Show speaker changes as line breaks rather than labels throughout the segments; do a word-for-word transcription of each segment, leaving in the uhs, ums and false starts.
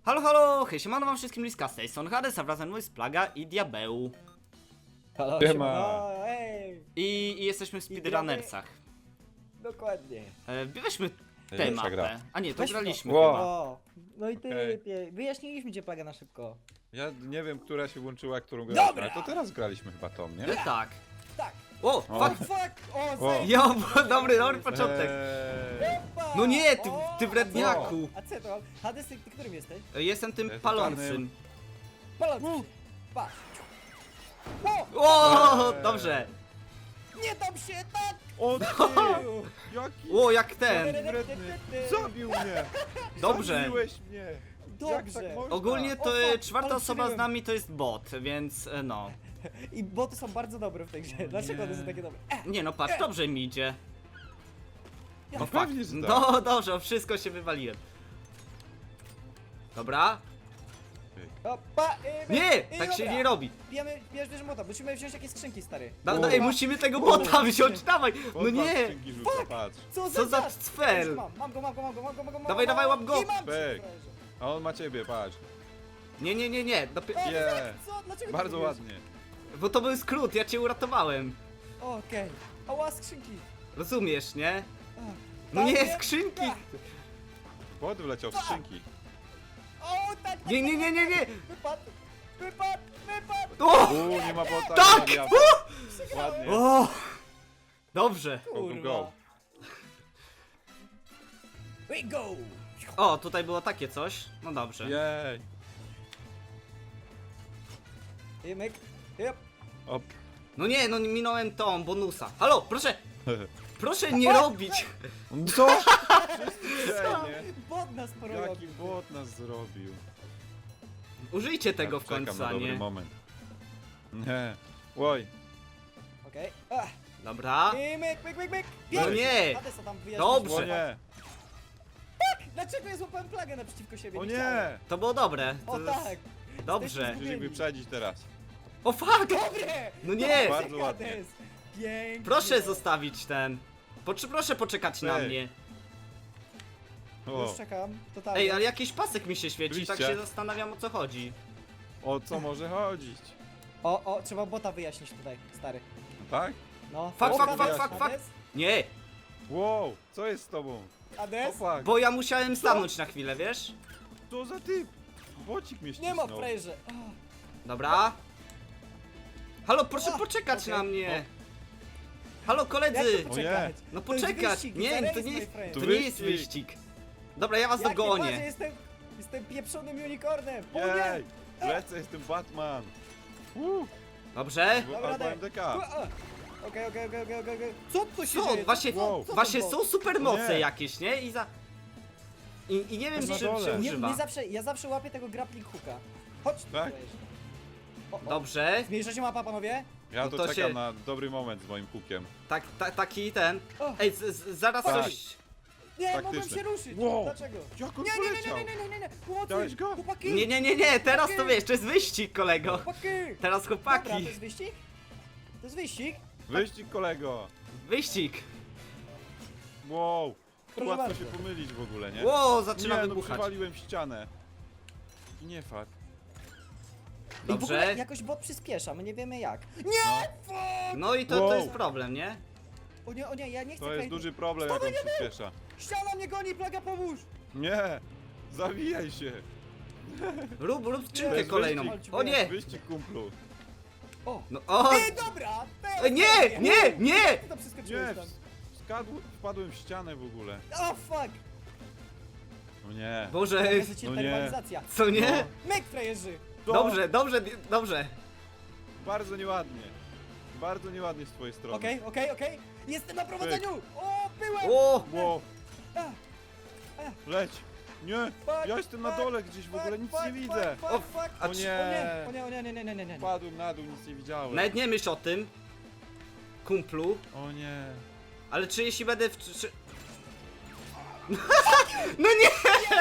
Halo, halo, hej, siemano wam wszystkim, Liska z tej strony Hades, a wrazem jest Plaga i Diabeł.
Halo,
Siema.
siemano, ej!
I, i jesteśmy w speedrunnersach.
Dokładnie.
E, weźmy tę
Pierwsza
mapę.
gra.
A nie, to
Weź
graliśmy
Wow.
chyba.
O, no i ty,
Okej.
ty, wyjaśniliśmy cię Plaga na szybko.
Ja nie wiem, która się włączyła, którą graliśmy,
Dobra.
ale to teraz graliśmy chyba tą, nie?
E, tak.
Tak.
O,
O.
fuck.
Fuck! O,
O.
zejdź!
Jo, dobry, dobry początek.
Eee,
Opa!
No nie, ty,
O,
ty wredniaku.
A co to? Hades, ty, ty którym jesteś?
E, Jestem tym
Jestem
palącym.
Palący. Patrz. O!
O,
Eee.
dobrze.
Nie dam się, tak!
O ty! Jaki
O, jak ten.
wredny! Zabił mnie!
Dobrze.
Zabiłeś mnie! Jak
Dobrze.
tak można?
Ogólnie to
O,
e,
fuck,
czwarta
ale
osoba z
przybyłem.
nami to jest bot, więc e, no.
I boty są bardzo dobre w tej grze. Dlaczego one są takie dobre? E,
Nie no, patrz, dobrze mi idzie.
Ja
O fuck.
pewnie, że tak.
No dobrze, o wszystko się wywaliłem. Dobra.
Opa, i my,
Nie,
i
tak się
dobra.
nie robi.
Bijemy, bijesz bierz mota, musimy wziąć jakieś skrzynki, stary.
Da,
O.
da, ej, musimy tego bota wziąć, dawaj! No
Podpatrz,
nie!
skrzynki rzuca, patrz.
Co
Co za
czas?
cfel?
Już Mam, mam go, mam go, mam go, mam go, mam go. mam
Dawaj,
go,
dawaj, łap go.
I mam
Pyk.
cię,
A on ma ciebie, patrz.
Nie, nie, nie, nie, dopi-
O,
Nie.
co? Dlaczego ty
Bardzo
robisz?
ładnie.
bo to był skrót, ja cię uratowałem.
Okej. Ała, skrzynki.
Rozumiesz, nie?
A,
No
tam
nie, skrzynki!
A,
Pod wleciał w skrzynki.
O, tak, tak,
Nie, nie, nie, nie, nie!
Wypadł, wypadł, wypadł.
O!
Uuu, nie ma bota.
Tak!
nie ma
O!
Ładnie.
O! Dobrze.
Go, go, go.
We go.
O, tutaj było takie coś. No dobrze.
Jej.
I myk. Yep.
Op.
No nie, no minąłem tą bonusa. Halo, proszę! Proszę nie robić!
Co? Wszyscy
Bot nas porobił.
Jaki bot nas zrobił.
Użyjcie tego
Ja
w końcu,
czekam na
a
dobry
nie.
moment. Nie. Oj.
Okej. Okay.
Dobra.
I myk, myk, myk, myk.
No
Bierz.
nie!
Hadesa tam wyjaśnić.
Dobrze.
O nie.
Dlaczego ja złapałem plagę naprzeciwko siebie?
O
chciałem.
nie.
To było dobre. To
O
jest...
tak.
Dobrze.
Musisz ich wyprzedzić teraz.
O fuck!
Dobre!
No nie!
Bardzo ładnie.
Hades. Pięknie.
Proszę zostawić ten. Poczy, proszę poczekać na
Ej.
mnie.
O.
Już czekam. Totalnie.
Ej, ale jakiś pasek mi się świeci, tak
Oczywiście.
się zastanawiam, o co chodzi.
O co może chodzić?
O, o, trzeba bota wyjaśnić tutaj, stary.
Tak?
No.
Fuck,
O,
fuck,
Hades,
fuck, fuck,
Hades,
Nie,
Wow, co jest z tobą?
Hades?
Opak,
bo ja musiałem stanąć na chwilę, wiesz?
co za typ? Bocik mnie
Nie ma
ścisnął.
frajerze. O,
Dobra. Halo, proszę
O,
poczekać
okej.
na mnie. Halo,
Jak
koledzy.
to poczekać?
No
To jest
poczekać.
wyścig,
Nie,
za
to
race,
nie
my
jest,
friend.
to
To
nie jest
wyścig.
wyścig. Dobra, ja was
Jakie patrzę,
dogonię.
jestem, jestem pieprzonym unicornem. O
Jej,
nie!
lecę, jestem Batman. Uh,
Dobrze?
Dobra,
albo
daj.
M D K.
O, o. Okej, okej, okej, okej, okej, okej. Co tu się
Co?
dzieje?
Właśnie,
Wow.
Co to
właśnie
było?
są supermoce
Nie.
jakieś, nie? I za... I, i nie wiem,
Na
czym
dole.
się
Nie,
używa.
nie zawsze, ja zawsze łapię tego grappling hooka. Chodź tu,
Tak?
frajerze. O, o.
Dobrze.
Zmniejsza się mapa, panowie?
Ja
No
to,
to
czekam
się-
na dobry moment z moim hukiem.
Tak, ta, taki ten.
O.
Ej, z, z, zaraz
Tak.
coś...
Nie,
Faktyczne.
mogłem się ruszyć.
Wow.
Dlaczego?
Jak on
Nie, nie, nie,
poleciał?
nie, nie, nie, nie, nie. Pomocy.
Dałeś go?
Chłopaki.
Nie, nie, nie, nie, teraz to wiesz, to jest wyścig, kolego.
Chłopaki.
Teraz
Dobra, to
chłopaki.
jest wyścig? To jest wyścig?
Wyścig kolego.
Wyścig.
Wow.
Proszę
Łatwo
bardzo.
się pomylić w ogóle, nie?
Ło, zaczyna
nie, no
wybuchać.
przywaliłem w ścianę. I nie fakt.
I w ogóle
Dobrze.
jakoś bot przyspiesza, my nie wiemy jak. Nie! Fuck!
No i to, to
Wow.
jest problem, nie?
O nie, o nie, ja nie chcę
To jest
klejku.
duży problem, jak on przyspiesza.
Ściana mnie goni, plaga, pomóż!
Nie! Zawijaj się!
Rób, rób
To
skrzynkę
jest
kolejną.
wyścig.
O nie!
Wyścig kumplu.
O!
No, o!
Ej, dobra! teraz
Ej, Nie,
robię.
nie, nie!
Jak ty to
Nie!
przeskoczyłeś tam?
Skadł, wpadłem w ścianę w ogóle.
O, fuck!
No nie.
Boże,
Jezu, cię
no
ta
nie.
rywalizacja.
co nie?
Myk, frajerzy!
To
Dobrze, dobrze, dobrze.
Bardzo nieładnie. Bardzo nieładnie z twojej strony.
Okej, okej, okej. Jestem na prowadzeniu! O, byłem!
O!
Wow.
A,
Leć! Nie!
fuck,
Ja jestem na
fuck,
dole gdzieś, w ogóle
fuck,
nic
fuck,
nie widzę!
Fuck,
O,
fuck, fuck.
a
O
czy-
nie!
O nie, o nie, nie, nie, nie, nie, nie.
Padłem na dół, nic nie widziałem.
Nawet nie myśl o tym, kumplu,
O nie!
ale czy jeśli będę w... Czy... czy- No nie!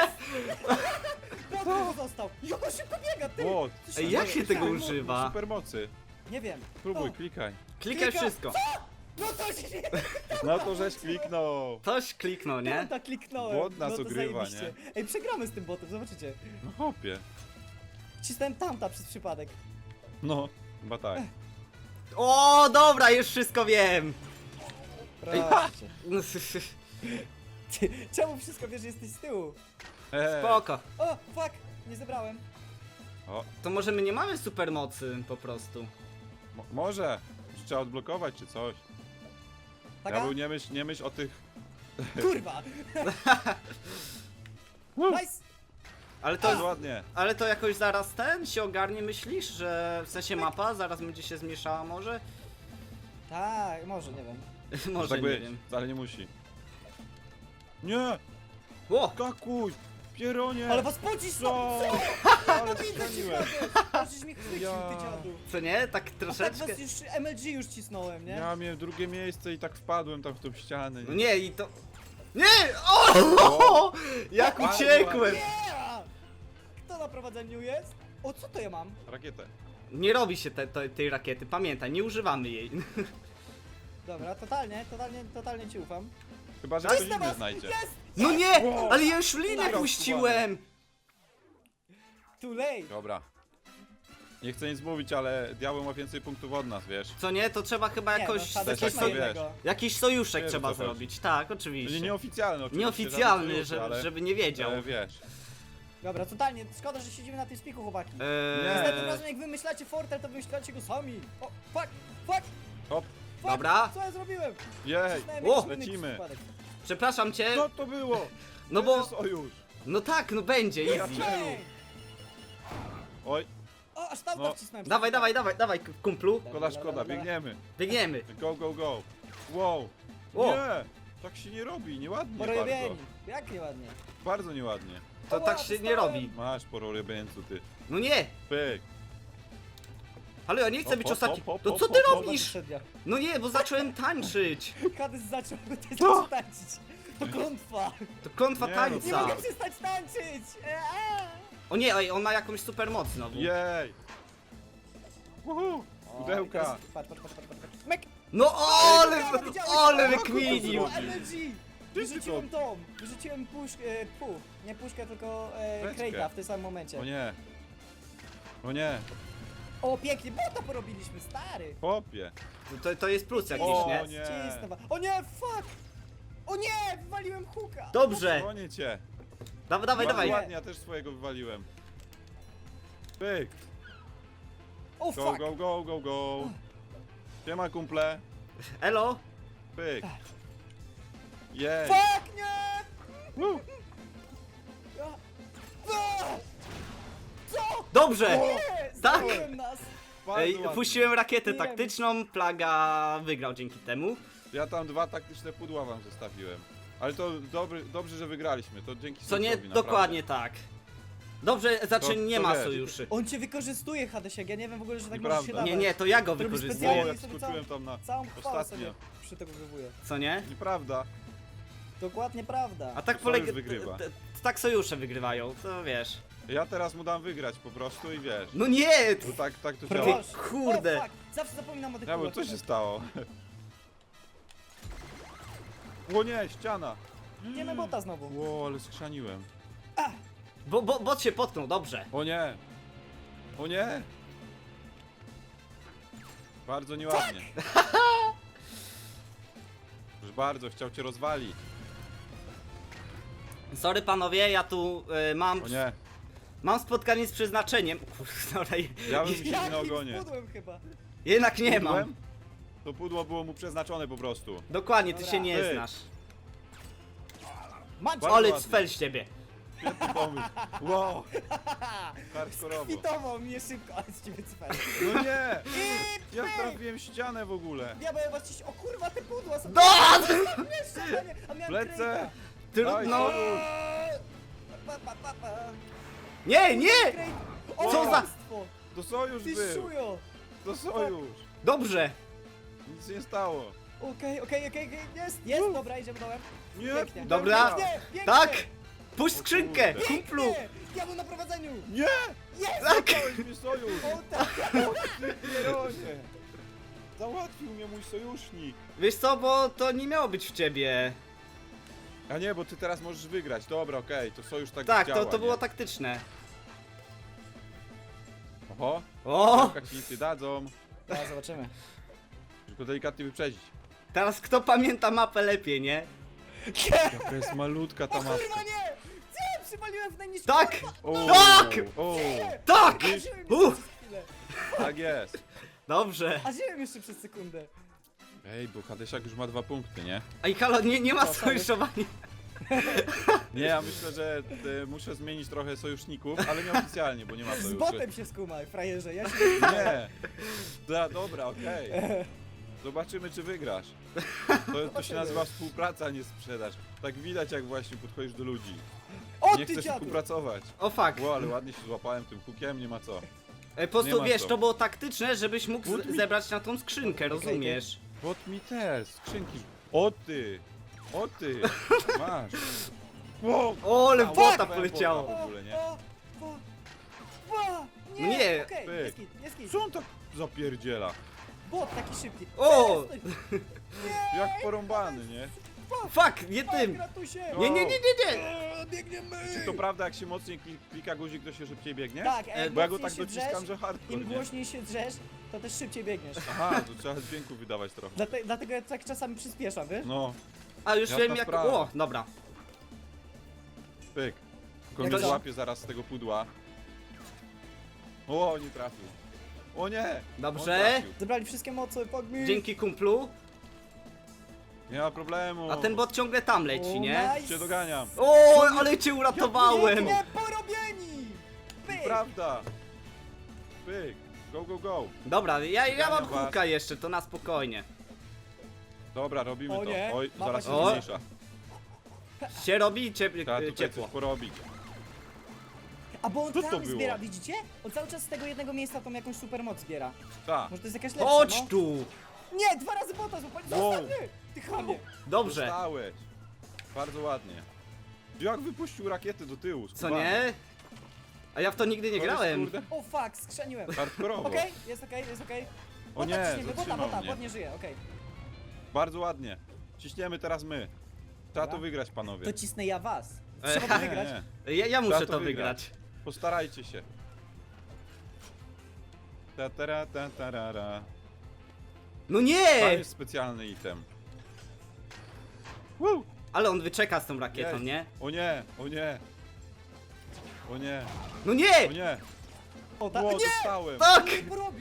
Bot został! Jak on szybko biega, ty!
Wow.
Co się
Ej, jak
dzieje?
się tego
Supermo-
używa?
Supermocy.
Nie wiem.
Próbuj,
O,
klikaj.
Klikaj
Klika.
wszystko.
No to się...
No to żeś kliknął.
Ktoś kliknął,
Nie?
nie?
Tak kliknąłem.
Bot nas
no to
ogrywa,
zajebiście. Ej, przegramy z tym botem, zobaczycie.
No hopie.
Cisnąłem tamta przez przypadek.
No, chyba tak.
O, dobra, już wszystko wiem.
Proszę. Ty, czemu wszystko wiesz, że jesteś z tyłu?
Ej.
Spoko.
O, fuck! Nie zebrałem.
O,
To może my nie mamy supermocy po prostu.
mo może. Trzeba odblokować czy coś.
Taka?
Ja był nie myśl, nie myśl o tych...
Kurwa! Nice!
Ale
To jest
to,
ładnie.
ale to jakoś zaraz ten się ogarnie, myślisz? Że w sensie mapa zaraz będzie się zmieszała może?
Tak, może, nie wiem.
Może,
tak
nie
być,
wiem.
ale nie musi. Nie!
O!
Kakuś! Pieronie!
Ale was pocisnął!
Co? Ale strzeliłem.
Możesz mnie chwycił,
Ja.
ty dziadu.
Co nie? Tak
A tak
troszeczkę.
was już M L G już cisnąłem, nie?
Ja miałem drugie miejsce i tak wpadłem tam w tą ścianę.
No nie, i to... Nie! O! Jak
Bardzo
uciekłem!
Yeah! Kto na prowadzeniu jest? O, co to ja mam?
Rakietę.
Nie robi się te, te, tej rakiety, pamiętaj, nie używamy jej.
Dobra, totalnie, totalnie, totalnie ci ufam.
Chyba, że
Jest
ktoś
na
inny
was!
znajdzie.
Jest!
No nie!
Wow.
Ale ja już linę
Dobra,
puściłem!
Too late!
Dobra. Nie chcę nic mówić, ale diabeł ma więcej punktów od nas, wiesz?
Co nie? To trzeba chyba
Nie,
jakoś...
no,
też
Hadesiak
jak
ma
to wiesz.
jednego.
Jakiś sojuszek
Wiesz,
trzeba
o co chodzi.
zrobić, tak,
Będzie
oczywiście.
nieoficjalny oczywiście.
Nieoficjalny,
żadnych
że,
ale,
żeby nie wiedział.
ale wiesz.
Dobra, totalnie, szkoda, że siedzimy na tym spiku, chłopaki.
Eee,
Nie.
Następnym razem jak wymyślacie fortel, to wymyślacie go sami. O, fuck, fuck,
Hop,
fuck!
Dobra.
Co ja zrobiłem?
jej,
Cisnąłem
O,
jakiś inny
lecimy.
przypadek.
Przepraszam cię.
Co to było?
No
To
bo...
jest sojusz.
No tak, no będzie, easy.
Czemu?
Ej!
Oj,
O, aż tam
No.
wcisnąłem.
Dawaj, dawaj, dawaj, dawaj, kumplu.
szkoda, szkoda, biegniemy.
Biegniemy.
Go, go, go. Wow.
O.
Nie, tak się nie robi, nieładnie bardzo.
Porobieni. Jak nieładnie.
Bardzo nieładnie.
To
Ała,
tak się nie
dostałem.
robi.
Masz pororybieńcu, ty.
No nie.
Pyk.
Ale ja nie chcę
Hop,
być
hop,
ostatni.
hop, hop,
To
hop,
co ty
hop, hop.
robisz?
Przednia.
No nie, bo zacząłem tańczyć.
Kadys zaczął też
Co?
tańczyć. To klątwa.
To klątwa
Nie,
Nie
tańca.
mogę przestać tańczyć. Eee.
O nie, oj, on ma jakąś super moc znowu.
Jej. Uhu.
O,
Pudełka.
i teraz- Patrz, patrz, patrz, patrz, patrz. Mek!
No ale,
Widziałeś, widziałeś?
ale
O,
wykminił.
kurwa, M L G!
Ty
Wyrzuciłem
to-
tą, wyrzuciłem puszkę, e, pu, nie puszkę, tylko e,
Beczkę.
Crate'a w tym samym momencie.
O nie. O nie.
O, pięknie, bo to porobiliśmy, stary!
Popie.
To, to jest plus jakiś,
O,
nie?
nie.
Cisnę wa- O nie, fuck! O nie, wywaliłem huka!
Dobrze.
Bronię cię.
Dawaj, dawaj,
Bardzo
dawaj.
ładnie, ja też swojego wywaliłem. Pyk.
O
Go,
fuck!
go, go, go, go. Siema kumple.
Elo.
Pyk. Jej.
Fuck, nie!
Woo.
A! A! Co?
Dobrze.
Nie!
Tak.
Zabiłem nas!
Bardzo
Ej,
ładnie.
puściłem rakietę
Wiem.
taktyczną, Plaga wygrał dzięki temu.
Ja tam dwa taktyczne pudła wam zostawiłem. Ale to dobry, dobrze, że wygraliśmy. To dzięki
Co nie,
Sojuszowi, naprawdę.
dokładnie tak. Dobrze, znaczy
To-
nie
to
ma
wiesz.
sojuszy.
On cię wykorzystuje, Hadesiak, ja nie wiem w ogóle, że tak
Nieprawda.
możesz się dawać.
Nie, nie, to ja go
To robi
O,
wykorzystuję.
specjalnie.
jak
sobie
skoczyłem tam na...
Całą chwałę
Ostatnio.
sobie przytegowywuję.
Co nie?
Nieprawda.
Dokładnie prawda.
A tak
Sojusz
polega.
wygrywa.
t- t- Tak sojusze wygrywają, to wiesz.
Ja teraz mu dam wygrać po prostu i wiesz.
No nie!
Bo tak, tak to
Ty-
działa.
Proszę.
kurde.
O, fuck. Zawsze zapominam o tych
Ja, bo co
kulach.
się stało? O nie, ściana!
Nie ma bota znowu.
Ło, ale skrzaniłem.
Bo, bo, bot się potknął, dobrze.
O nie! O nie! Bardzo nieładnie. Już bardzo, chciał cię rozwalić.
Sorry panowie, ja tu y, mam.
O nie,
Mam spotkanie z przeznaczeniem. Kurde, dobra,
ja bym się na
Jakim
ogonie.
spudłem chyba.
jednak nie mam.
Pudłem? To pudło było mu przeznaczone po prostu.
Dokładnie, ty
Dobra.
się nie
Ty.
znasz.
Macie!
Bardzo
Ale
ładnie.
cfel z ciebie.
Świetny pomysł. Wow, hardkorowo.
Kwitował mnie szybko, ale z ciebie cfel.
No nie!
I
Ja
pyk!
trafiłem ścianę w ogóle.
Ja byłem właściwie... O kurwa, te pudła są...
No!
Jeszcze, a nie- a miałem
Lecę!
Crate'a.
Trudno.
Eee, Pa, pa, pa, pa.
Nie, nie!
Crate. O,
Co za-
kłamstwo!
To sojusz
Ty
był.
szujo!
To sojusz.
Dobrze.
Nic się nie stało.
Okej, okej, okej, okej, jest, jest, dobra, idziemy dołem.
Nie,
Pięknie.
Dobra.
Pięknie, pięknie.
Tak! Puść
O
skrzynkę,
kurde.
kumplu!
Pięknie. Ja był na prowadzeniu!
Nie!
Jest!
Tak!
Dałeś mi sojusz.
O tak!
Ty pieronie. Załatwił mnie mój sojusznik.
Wiesz co, bo to nie miało być w ciebie.
A nie, bo ty teraz możesz wygrać. Dobra, okej, to sojusz tak
Tak,
działa,
to, to
nie?
było taktyczne.
Oho,
O!
jaka ci nic nie dadzą.
Teraz zobaczymy.
Tylko delikatnie wyprzedzić.
Teraz kto pamięta mapę lepiej, nie?
Jaka jest malutka ta
O
mapka.
kurwa nie! Co? Przywaliłem w najniższy...
Tak!
O,
Tak!
O,
Tak!
Wiesz?
A żyłem
Uh!
jeszcze przez chwilę.
tak jest.
Dobrze.
A żyłem jeszcze przez sekundę.
Ej, bo Hadesiak już ma dwa punkty, nie?
Ej, halo, nie, nie ma
Co, sorry.
sojuszowania.
Nie, ja myślę, że e, muszę zmienić trochę sojuszników, ale nie oficjalnie, bo nie ma
Z
sojuszy.
botem się skumaj, frajerze. Ja się...
Nie! Da, dobra, okej. Zobaczymy, czy wygrasz. To, to się nazywa współpraca, a nie sprzedaż. Tak widać, jak właśnie podchodzisz do ludzi.
O
Nie
ty
chcesz
dziadu!
współpracować.
O fuck.
Ło, ale ładnie się złapałem tym hukiem, nie ma co.
Ej, po
Nie
prostu
ma
wiesz,
co.
to było taktyczne, żebyś mógł
But
z-
mi-
zebrać na tą skrzynkę, rozumiesz?
Bot mi też, skrzynki. O ty! O ty! Masz! Wow!
O, ale
A,
bota
łapałem
poleciało.
bota. w ogóle, nie?
O, o, o, nie!
Nie.
Okej,
Pyk.
nie skit, nie skit.
Co on tak zapierdziela?
Bot taki szybki.
O!
Przestań.
Jak porąbany, nie?
Fuck, nie
Fuck,
tym!
ratusie!
Nie, nie, nie, nie, nie!
Eee, Biegniemy!
Czy to prawda, jak się mocniej kli- klika guzik, to się szybciej biegnie?
Tak,
E,
e,
Bo ja go
mocniej
tak
się
dociskam,
drzesz,
że hardcore,
im
nie?
głośniej się drzesz, to też szybciej biegniesz.
Aha, to trzeba dźwięku wydawać trochę.
Dlate, dlatego ja tak czasami przyspieszam, wiesz?
No,
A już
Jasna
wiem jak...
sprawa.
O, dobra.
pyk. Tylko
Jak
mnie
to?
złapie zaraz z tego pudła. O, nie trafił. O nie!
Dobrze.
On trafił.
Zebrali wszystkie moce, fuck me!
Dzięki kumplu.
Nie ma problemu.
A ten bot ciągle tam
O,
leci, nie?
nice.
Cię doganiam.
O, ale cię uratowałem!
Pięknie porobieni! Pyk!
Prawda. Pyk. Go, go, go.
Dobra, ja, ja mam
Doganiam was.
huka jeszcze, to na spokojnie.
Dobra, robimy
O
to.
nie,
Oj,
mapa
zaraz
się
się
O.
zmniejsza.
Się robi ciep
Trzeba tutaj
ciepło.
coś porobić.
A bo on
Co to
tam
było?
zbiera, widzicie? On cały czas z tego jednego miejsca tą jakąś supermoc zbiera.
Tak.
Może to jest jakaś lepsza,
Chodź
no?
tu!
Nie, dwa razy bota złapali,
Wow.
zostaw mnie! Ty chamie!
Dobrze.
Dostałeś. Bardzo ładnie. Jak wypuścił rakiety do tyłu?
Co
skubany.
nie? A ja w to nigdy nie
To jest,
grałem.
kurde,
O fuck, skrzeniłem.
hardkorowo.
Okej, jest okej, jest okej.
O
Bota
nie,
ciśniemy, bota,
zatrzymał
bota,
mnie.
bot nie żyje, okej.
Bardzo ładnie. Ciśniemy teraz my. Trzeba
Dobra.
to wygrać, panowie.
To cisnę ja was.
E,
Trzeba to
Nie,
wygrać.
nie.
Ja, ja muszę
Trzeba
to
to
wygrać.
wygrać. Postarajcie się. Ta, tara, ta, tarara.
No
Tam
nie!
jest specjalny item. Woo!
Ale on wyczeka z tą rakietą,
Jest.
nie?
O nie, o nie. O nie,
No
o
nie!
nie.
O, ta...
O,
Nie!
dostałem.
Tak!
Nie porobił!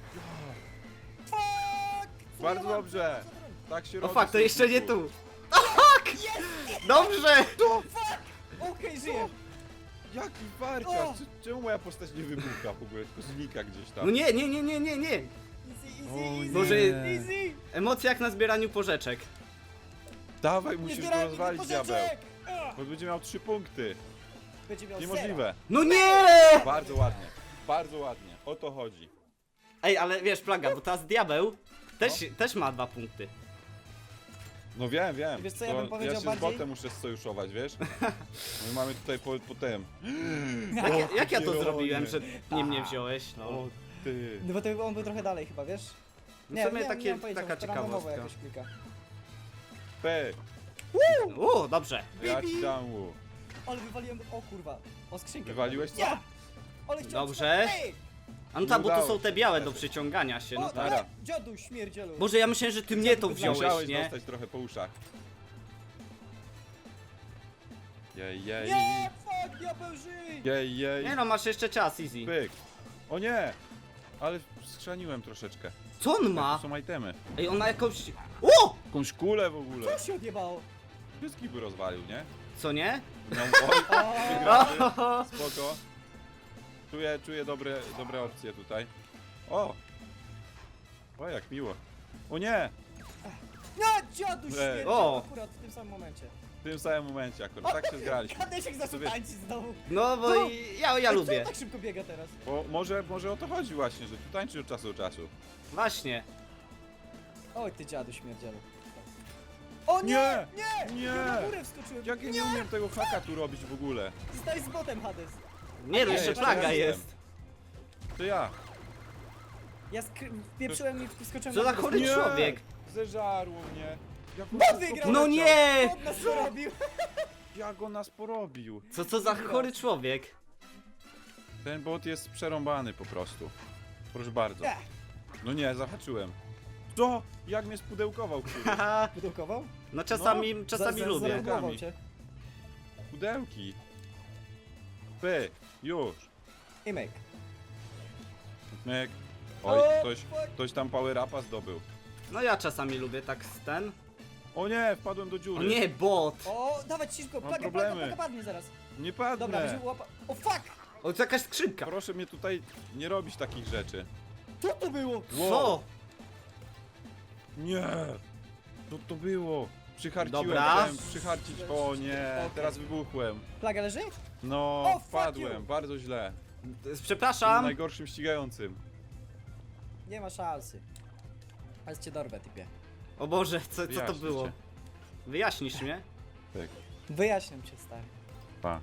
Fuck! Co
Bardzo
ja mam?
dobrze.
Co to robi?
Tak się
O
robi.
fuck, to jeszcze nie
sojuszniku.
tu. Tak! Dobrze!
Okej, żyję.
Jaki warciarz.
O!
Czy- Czemu moja postać nie wybucha w ogóle, tylko znika gdzieś tam?
No nie, nie, nie, nie, nie, nie.
Easy,
O
easy, easy,
Boże.
easy!
Emocje jak na zbieraniu porzeczek.
Dawaj,
Nie
musisz go
zbieraj
rozwalić,
pożyczek!
diabeł.
A!
Bo będzie miał trzy punkty.
Będzie miał
Niemożliwe.
No nie!
Bardzo ładnie. Bardzo ładnie. O to chodzi.
Ej, ale wiesz, Plaga, bo teraz diabeł też, też ma dwa punkty.
No wiem, wiem.
Wiesz co, ja
To
bym powiedział
ja się
bardziej-
z botem muszę sojuszować, wiesz? My mamy tutaj po, po tym.
Jak,
O,
ja- jak ja to
kieronie.
zrobiłem, że nie mnie wziąłeś? No.
O ty.
No bo to on był trochę dalej chyba, wiesz?
W sumie
nie,
takie,
nie mam pojęcia,
taka
może to randomowo
ciekawostka.
jakoś klika.
P.
O, dobrze.
Ja ci dam łuk.
Ale wywaliłem, o kurwa, o skrzynkę.
Wywaliłeś co?
Ja! Ale chciałem...
Dobrze.
Ej!
A no tak, bo tu
udało
są
się.
te białe do przyciągania się. No
O,
tak.
Dobra.
dziadu śmierdzielu.
Boże, ja myślałem, że ty mnie to wziąłeś,
Musiałeś
nie?
dostać trochę po uszach. Jej, jej.
Nie, fuck, diabeł żyj!
Jej, jej.
Nie no, masz jeszcze czas, easy.
Pyk. O nie! Ale schrzaniłem troszeczkę.
Co on
Tu
ma?
są itemy.
Ej, on ma jakąś... O!
Jakąś kulę w ogóle.
Co się odjebało?
Wszystkich by rozwalił, nie?
Co nie?
No, oj,
O,
wygrany. Spoko. Czuję, czuję dobre, dobre opcje tutaj. O! O, jak miło. O nie!
nie, dziadu śmierdziel,
O.
akurat w tym samym momencie.
W tym samym momencie akurat, tak się zgraliśmy.
Kadesiek zaczął
wiesz-
tańczyć znowu.
No bo
Co?
i- ja, ja
Ej,
lubię.
Co tak szybko biega teraz?
Bo może, może o to chodzi właśnie, że tu tańczy od czasu do czasu.
Właśnie.
Oj, ty dziadu śmierdzielu. O nie!
Nie!
Nie!
Nie!
Ja na górę wskoczyłem.
Jak ja nie umiem tego haka tu robić w ogóle?
Zostaj z botem, Hades.
Nie, no
nie,
jeszcze
jeszcze
Plaga
jestem.
jest.
To ja.
Ja skry... wpieprzyłem i wskoczyłem
Co
na
za
górę.
chory
Nie!
człowiek.
Zeżarło mnie. Jak on
Bo
szybko
wygrał!
No
poleciał.
nie!
On nas porobił.
Jak on nas porobił.
Co to za chory człowiek?
Ten bot jest przerąbany po prostu. Proszę bardzo.
Nie.
No nie, zahaczyłem. Co? Jak mnie spudełkował który?
Haha,
Wydukował?
no czasami, czasami
Za- za-
lubię.
zareagował cię.
Pudełki. Py, już.
I myk.
Myk. Oj,
O,
ktoś,
fuck.
ktoś tam power upa zdobył.
No ja czasami lubię tak z ten.
O nie, wpadłem do
O
dziury.
nie, bot!
O, dawać ciszko,
Mam
plaga,
problemy.
plaga, plaga padnie zaraz.
Nie padnę.
Dobra, weźmy łapa. O fuck!
O, to jakaś skrzynka.
Proszę mnie tutaj nie robić takich rzeczy.
Co to było?
Co?
Nie! Co to było? Przycharciłem,
Dobra.
chciałem przycharcić. O nie,
Okej.
teraz wybuchłem.
Plaga leży?
No,
O, fuck
wpadłem,
you.
bardzo źle.
Z- Przepraszam.
Najgorszym ścigającym.
Nie ma szansy. Ale cię dorwę, typie.
O Boże, co, co to
Wyjaśnię
było?
cię.
Wyjaśnisz mnie?
Tak,
Wyjaśniam cię, stary.
pa.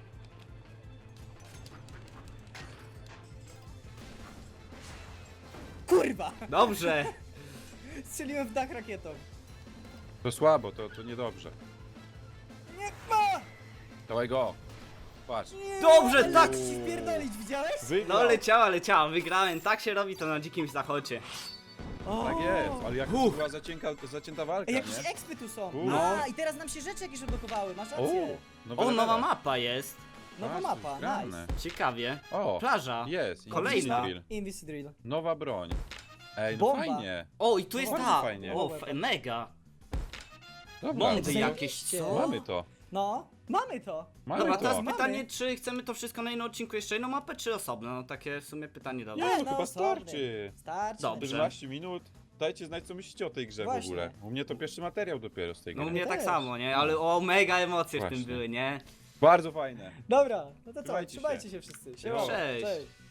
Kurwa!
Dobrze.
Strzeliłem w dach rakietą.
To słabo, to, to niedobrze.
Nie ma!
Dawaj go. Patrz.
Nie,
Dobrze,
ale
tak.
jak ci wpierdolić, widziałeś?
Wygrał.
No leciała, leciała, wygrałem. Tak się robi to na dzikim zachodzie.
O!
Tak jest, ale jak to
Uff.
była zacienka, zacięta walka,
Ej,
nie?
jakieś ekspy tu są.
U.
A, i teraz nam się rzeczy jakieś odblokowały, masz
O,
rację.
nowe
O,
levele.
nowa mapa jest.
Nowa
Patrz,
mapa,
to jest grane.
nice.
Ciekawie.
O,
Plaża.
jest.
Kolejna.
Invisible.
Invisidrill.
Nowa broń. Ej, no
Bomba.
fajnie.
O, i tu jest
Bardzo
ta.
fajnie.
O, f- mega.
Dobra,
Bomby
Zajebiście.
jakieś, co?
mamy to.
No, mamy to.
Mamy
Dobra,
to.
teraz
Mamy.
pytanie, czy chcemy to wszystko na jednym odcinku jeszcze jedną mapę, czy osobno? No takie w sumie pytanie dobre.
Nie,
Nie,
no
no,
chyba
sorry.
starczy.
Starczy.
Dobrze.
czternaście minut. Dajcie znać, co myślicie o tej grze
Właśnie.
w ogóle. U mnie to pierwszy materiał dopiero z tej
No
gry.
u mnie tak
też.
samo, nie? Ale o, mega emocje w
Właśnie.
tym były, nie?
Bardzo fajne.
Dobra, no to co,
Trzymajcie
trzymajcie
się.
się wszyscy.
Siema.
Cześć.
Cześć.